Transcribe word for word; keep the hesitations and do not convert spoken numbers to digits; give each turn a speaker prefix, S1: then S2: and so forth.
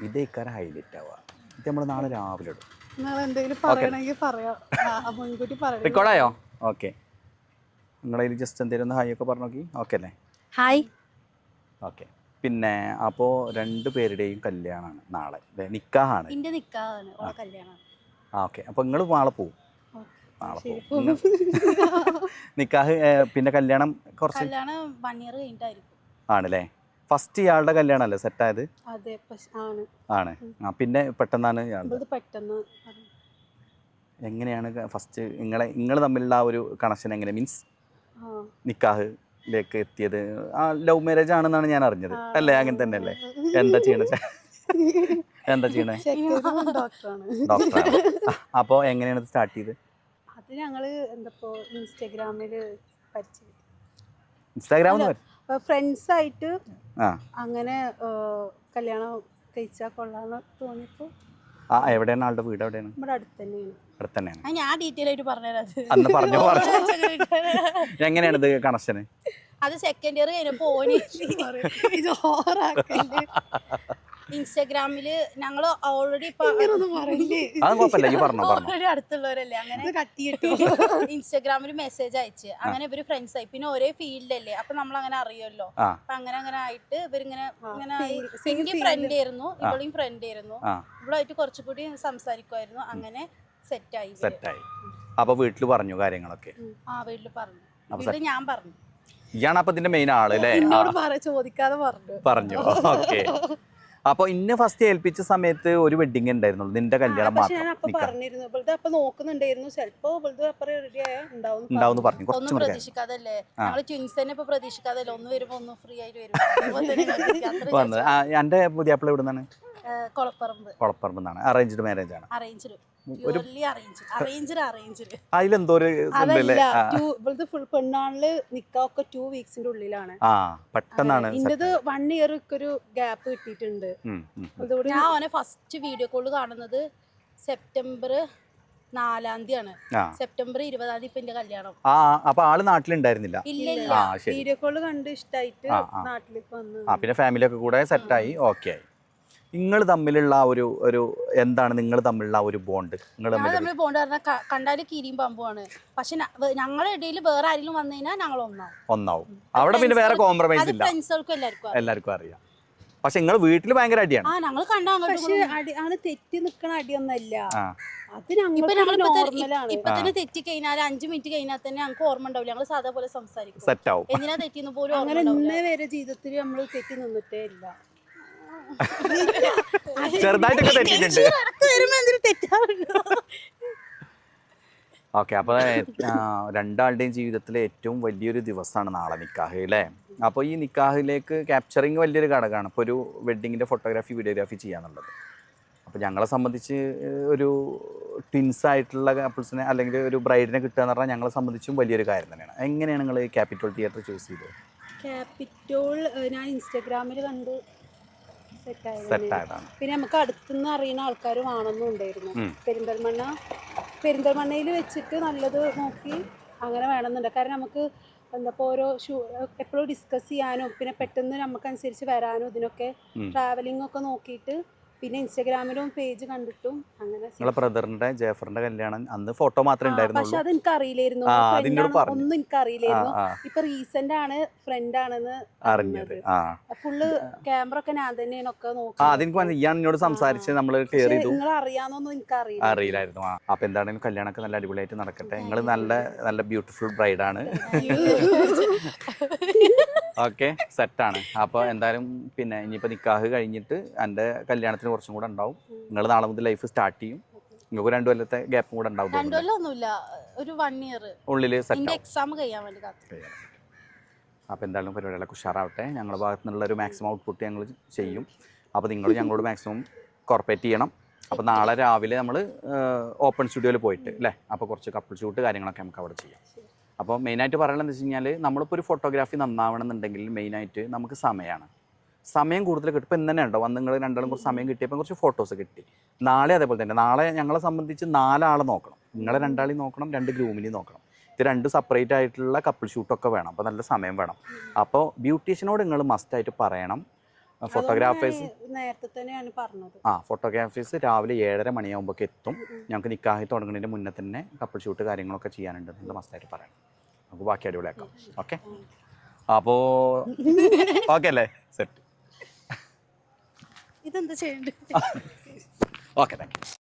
S1: ഇതേക്കാരം highlight ആവുക. ഇത് നമ്മൾ നാളെ രാവിലെ ഇടും. റെക്കോർഡായോ? ഓക്കെ, നിങ്ങളതിൽ ജസ്റ്റ് എന്തെങ്കിലും ഒന്ന് ഹായ് ഒക്കെ പറഞ്ഞു നോക്കി. ഓക്കെ അല്ലേ?
S2: ഹായ്.
S1: ഓക്കെ. പിന്നെ അപ്പോൾ രണ്ട് പേരുടെയും കല്യാണമാണ് നാളെ, നിക്കാഹാണ്. ആ ഓക്കെ. അപ്പോൾ നിങ്ങൾ നാളെ പോവും. നാളെ പോവും. നിക്കാഹ് പിന്നെ കല്യാണം കുറച്ച് ആണല്ലേ? ഫസ്റ്റ് ഇയാളുടെ കല്യാണം അല്ലേ സെറ്റായത്? ആണ്. ആ പിന്നെ പെട്ടെന്നാണ് എങ്ങനെയാണ് ഫസ്റ്റ് നിങ്ങളെ നിങ്ങൾ തമ്മിലുള്ള ആ ഒരു കണക്ഷൻ എങ്ങനെ, മീൻസ് നിക്കാഹിലേക്ക് എത്തിയത്? ആ ലവ് മാരേജ് ആണെന്നാണ് ഞാൻ അറിഞ്ഞത് അല്ലേ? അങ്ങനെ തന്നെ അല്ലേ? എന്താ ചെയ്യണ എന്താ ചെയ്യണേ? ഡോക്ടറാണ്. അപ്പോൾ എങ്ങനെയാണ് സ്റ്റാർട്ട് ചെയ്ത്?
S3: അത് ഞങ്ങള് എന്താ ഇൻസ്റ്റാഗ്രാമില്
S1: ഇൻസ്റ്റാഗ്രാമിൽ
S3: ഫ്രണ്ട്സ് ആയിട്ട് അങ്ങനെ കല്യാണം കഴിച്ചാൽ കൊള്ളാന്ന് തോന്നിയപ്പോ.
S1: ആ എവിടെയാണ് ആളുടെ വീട്? എവിടെയാണ്?
S3: നമ്മുടെ അടുത്ത് തന്നെയാണ്.
S1: അടുത്ത് തന്നെയാണ്.
S2: ഞാൻ ഡീറ്റെയിൽ ആയിട്ട് പറഞ്ഞുതരാം.
S1: അന്ന് പറഞ്ഞു പറഞ്ഞു എങ്ങനെയാണ് ഇത് കണക്ഷന്?
S2: അത് സെക്കൻഡ് ഇയർ കഴിഞ്ഞപ്പോ ഇൻസ്റ്റാഗ്രാമില് ഞങ്ങള് ഓൾറെഡി ഓൾറെഡി അടുത്തുള്ളവരല്ലേ, അങ്ങനെ ഇൻസ്റ്റാഗ്രാമിൽ മെസ്സേജ് അയച്ച് അങ്ങനെ ഇവര് ഫ്രണ്ട്സ് ആയി. പിന്നെ ഒരേ ഫീൽഡല്ലേ, അപ്പൊ നമ്മൾ അങ്ങനെ അറിയുമല്ലോ. അപ്പൊ അങ്ങനെ അങ്ങനെ ആയിട്ട് ഇവരിങ്ങനെ ഇങ്ങനെ എനിക്ക് ഫ്രണ്ട് ആയിരുന്നു, ഇവളും ഫ്രണ്ട് ആയിരുന്നു. ഇവളായിട്ട് കുറച്ചുകൂടി സംസാരിക്കുമായിരുന്നു. അങ്ങനെ സെറ്റായി
S1: സെറ്റായി അപ്പൊ വീട്ടില് പറഞ്ഞു കാര്യങ്ങളൊക്കെ?
S2: ആ വീട്ടില് പറഞ്ഞു. വീട്ടില് ഞാൻ പറഞ്ഞു.
S1: ഇയാണ് അപ്പൊ ഇതിന്റെ മെയിൻ ആള് അല്ലേ?
S3: ചോദിക്കാതെ പറഞ്ഞു
S1: പറഞ്ഞു ഓക്കെ. അപ്പൊ ഇന്ന് ഫസ്റ്റ് ഏൽപ്പിച്ച സമയത്ത് ഒരു വെഡിങ് ഉണ്ടായിരുന്നുള്ളൂ, നിന്റെ കല്യാണം മാത്രം ഉണ്ടാവും പറഞ്ഞു.
S2: ഒന്നും പ്രതീക്ഷിക്കാതല്ലേ ഞങ്ങള് ട്വിൻസ് തന്നെ ഇപ്പൊ പ്രതീക്ഷിക്കാതല്ലേ, ഒന്ന് വരുമ്പോ ഒന്ന് ഫ്രീ ആയിട്ട് വരും.
S1: വന്നത് എന്റെ പുതിയാപ്പിള എവിടുന്നാണ്?
S2: കൊളപ്പറമ്പ്.
S1: കൊളപ്പറമ്പെന്നാണ്. അറേഞ്ച്ഡ് മാരേജ് ആണ്?
S2: അറേഞ്ച്ഡ്.
S1: അതിലെന്തോ
S3: പെണ്ണാളില് നിക്കാക്കെ ടു വീക്സിന്റെ ഉള്ളിലാണ്.
S1: ആ പെട്ടെന്നാണ്.
S3: ഇന്റത് വൺ ഇയർ ഒരു ഗ്യാപ്പ് കിട്ടിയിട്ടുണ്ട്.
S2: ഞാൻ അവനെ ഫസ്റ്റ് വീഡിയോ കോള് കാണുന്നത് സെപ്റ്റംബർ നാലാം തീയതിയാണ്. സെപ്റ്റംബർ ഇരുപതാം തീയതി ഇപ്പൊ എന്റെ കല്യാണം.
S1: ആ അപ്പൊ ആള് നാട്ടിലുണ്ടായിരുന്നില്ല?
S2: ഇല്ല,
S3: വീഡിയോ കോള് കണ്ട് ഇഷ്ടായിട്ട് നാട്ടിലേക്ക് വന്നു.
S1: ആ പിന്നെ ഫാമിലി ഒക്കെ കൂടെ സെറ്റായി. ഓക്കെ ആയി. നിങ്ങൾ തമ്മിലുള്ള ഒരു ഒരു എന്താണ് നിങ്ങൾ തമ്മിലുള്ള ഒരു ബോണ്ട്? നിങ്ങൾ
S2: തമ്മിൽ ബോണ്ട് പറഞ്ഞാൽ കണ്ടാല് കീരിയും പമ്പുമാണ്. പക്ഷെ ഞങ്ങളുടെ ഇടയിൽ വേറെ ആരെങ്കിലും വന്നു കഴിഞ്ഞാൽ ഞങ്ങൾ ഒന്നാവും
S1: ഒന്നാവും അവിടെ പിന്നെ വേറെ കോംപ്രമൈസ് ഇല്ല.
S2: ഫ്രണ്ട്സുകൾക്കും എല്ലാവർക്കും
S1: എല്ലാവർക്കും അറിയാം. പക്ഷെ നിങ്ങൾ വീട്ടിൽ ഭയങ്കര അടിയാണ്.
S2: ആ ഞങ്ങൾ കണ്ടാ
S3: ആണ് തെറ്റി നിക്കണ അടിയൊന്നല്ല.
S2: ഇപ്പൊ തന്നെ തെറ്റി കഴിഞ്ഞാൽ അഞ്ചു മിനിറ്റ് കഴിഞ്ഞാൽ തന്നെ ഞങ്ങൾക്ക് ഓർമ്മ ഉണ്ടാവില്ല. ഞങ്ങൾ സാധാ പോലെ സംസാരിക്കും.
S1: സെറ്റാവും.
S2: എന്തിനാ തെറ്റിന്ന് പോലും
S3: അങ്ങനെ ഇന്നേ വരെ ജീവിതത്തിൽ നമ്മൾ തെറ്റി നിന്നിട്ടേ ഇല്ല.
S1: ചെറുതായിട്ടൊക്കെ തെറ്റിയിട്ടുണ്ട്. ഓക്കെ. അപ്പോൾ രണ്ടാളുടെയും ജീവിതത്തിലെ ഏറ്റവും വലിയൊരു ദിവസമാണ് നാളെ നിക്കാഹ് അല്ലേ? അപ്പോൾ ഈ നിക്കാഹിലേക്ക് ക്യാപ്ചറിങ് വലിയൊരു ഘടകമാണ്. ഇപ്പോൾ ഒരു വെഡ്ഡിങ്ങിൻ്റെ ഫോട്ടോഗ്രാഫി വീഡിയോഗ്രാഫി ചെയ്യാന്നുള്ളത്. അപ്പോൾ ഞങ്ങളെ സംബന്ധിച്ച് ഒരു ട്വിൻസ് ആയിട്ടുള്ള കപ്പിൾസിനെ അല്ലെങ്കിൽ ഒരു ബ്രൈഡിനെ കിട്ടുക എന്ന് പറഞ്ഞാൽ ഞങ്ങളെ സംബന്ധിച്ചും വലിയൊരു കാര്യം തന്നെയാണ്. എങ്ങനെയാണ് നിങ്ങൾ ക്യാപിറ്റോൾ തിയേറ്റർ ചൂസ് ചെയ്തത്?
S3: ക്യാപിറ്റോൾ ഞാൻ ഇൻസ്റ്റാഗ്രാമിൽ കണ്ട് സെറ്റായതാണ്. പിന്നെ നമുക്ക് അടുത്തുനിന്ന് അറിയുന്ന ആൾക്കാർ വേണമെന്നും ഉണ്ടായിരുന്നു. പെരിന്തൽമണ്ണ പെരിന്തൽമണ്ണയിൽ വെച്ചിട്ട് നല്ലത് നോക്കി അങ്ങനെ വേണമെന്നുണ്ട്. കാരണം നമുക്ക് എന്താ ഓരോ ഷൂ എപ്പോഴും ഡിസ്കസ് ചെയ്യാനും പിന്നെ പെട്ടെന്ന് നമുക്കനുസരിച്ച് വരാനും ഇതിനൊക്കെ ട്രാവലിംഗ് ഒക്കെ നോക്കിയിട്ട് പിന്നെ ഇൻസ്റ്റാഗ്രാമിലും പേജ് കണ്ടിട്ടും അങ്ങനെ.
S1: നിങ്ങളെ ബ്രദറിന്റെ ജേഫറിന്റെ കല്യാണം അന്ന് ഫോട്ടോ മാത്രമേ ഉണ്ടായിരുന്നുള്ളൂ.
S3: പക്ഷെ അത് എനിക്ക് അറിയില്ലായിരുന്നു, ഒന്നും എനിക്ക് അറിയില്ലായിരുന്നു. ഇപ്പൊ റീസെന്റ് ആണ് ഫ്രണ്ട് ആണെന്ന് അറിഞ്ഞത്. ഫുള്ള് ക്യാമറ ഒക്കെ ഞാൻ തന്നെയാണ് ഒക്കെ നോക്കി.
S1: ഞാൻ എന്നോട് സംസാരിച്ച് നമ്മൾ ക്ലിയർ ചെയ്തു.
S3: നിങ്ങൾ അറിയാന്നൊന്നും എനിക്ക് അറിയില്ല
S1: അറിയില്ലായിരുന്നു. അപ്പൊ എന്താണെങ്കിലും കല്യാണമൊക്കെ നല്ല അടിപൊളിയായിട്ട് നടക്കട്ടെ. നിങ്ങൾ നല്ല നല്ല ബ്യൂട്ടിഫുൾ ബ്രൈഡാണ്. ഓക്കെ സെറ്റാണ്. അപ്പോൾ എന്തായാലും പിന്നെ ഇനിയിപ്പോൾ നിക്കാഹ് കഴിഞ്ഞിട്ട് എൻ്റെ കല്യാണത്തിന് കുറച്ചും കൂടെ ഉണ്ടാവും. നിങ്ങൾ നാളെ മുതൽ ലൈഫ് സ്റ്റാർട്ട് ചെയ്യും. നിങ്ങൾക്ക് രണ്ടു കൊല്ലത്തെ ഗ്യാപ്പും കൂടെ ഉണ്ടാവും. ഉള്ളിൽ
S2: എക്സാം കഴിയാൻ വേണ്ടി.
S1: അപ്പോൾ എന്തായാലും പരിപാടികളൊക്കെ ഉഷാറാവട്ടെ. ഞങ്ങളുടെ ഭാഗത്തു നിന്നുള്ള ഒരു മാക്സിമം ഔട്ട്പുട്ട് ഞങ്ങൾ ചെയ്യും. അപ്പോൾ നിങ്ങൾ ഞങ്ങളോട് മാക്സിമം കോർപ്പറേറ്റ് ചെയ്യണം. അപ്പോൾ നാളെ രാവിലെ നമ്മൾ ഓപ്പൺ സ്റ്റുഡിയോയിൽ പോയിട്ട് അല്ലേ, അപ്പോൾ കുറച്ച് കപ്പിൾ ഷൂട്ട് കാര്യങ്ങളൊക്കെ നമുക്ക് അവിടെ ചെയ്യാം. അപ്പോൾ മെയിനായിട്ട് പറയുന്നത് എന്താ വെച്ച് കഴിഞ്ഞാൽ നമ്മളിപ്പോൾ ഒരു ഫോട്ടോഗ്രാഫി നന്നാവണം എന്നുണ്ടെങ്കിൽ മെയിനായിട്ട് നമുക്ക് സമയമാണ്. സമയം കൂടുതൽ കിട്ടും. ഇപ്പോൾ ഇന്ന് തന്നെ ഉണ്ടോ വന്ന് നിങ്ങൾ രണ്ടാളും കുറച്ച് സമയം കിട്ടിയപ്പോൾ കുറച്ച് ഫോട്ടോസ് കിട്ടി. നാളെ അതേപോലെ തന്നെ. നാളെ ഞങ്ങളെ സംബന്ധിച്ച് നാലാളെ നോക്കണം. നിങ്ങളെ രണ്ടാളെയും നോക്കണം, രണ്ട് ഗ്രൂമിനെയും നോക്കണം. ഇത് രണ്ട് സെപ്പറേറ്റ് ആയിട്ടുള്ള കപ്പിൾ ഷൂട്ടൊക്കെ വേണം. അപ്പോൾ നല്ല സമയം വേണം. അപ്പോൾ ബ്യൂട്ടീഷ്യനോട് നിങ്ങൾ മസ്റ്റായിട്ട് പറയണം ഫോട്ടോഗ്രാഫേഴ്സ്
S3: നേരത്തെ തന്നെയാണ് പറഞ്ഞത്.
S1: ആ ഫോട്ടോഗ്രാഫേഴ്സ് രാവിലെ ഏഴര മണിയാകുമ്പോൾ എത്തും. ഞങ്ങൾക്ക് നിക്കാഹി തുടങ്ങുന്നതിന് മുന്നേ തന്നെ കപ്പിൾ ഷൂട്ട് കാര്യങ്ങളൊക്കെ ചെയ്യാനുണ്ട്. നിങ്ങൾ മസ്റ്റായിട്ട് പറയണം. നമുക്ക് ബാക്കി അടിപൊളിയാക്കാം. ഓക്കെ, അപ്പോൾ ഓക്കെ അല്ലേ? സെറ്റ്.
S2: ഇതെന്താ ചെയ്യണ്ടേ?
S1: Okay, thank U.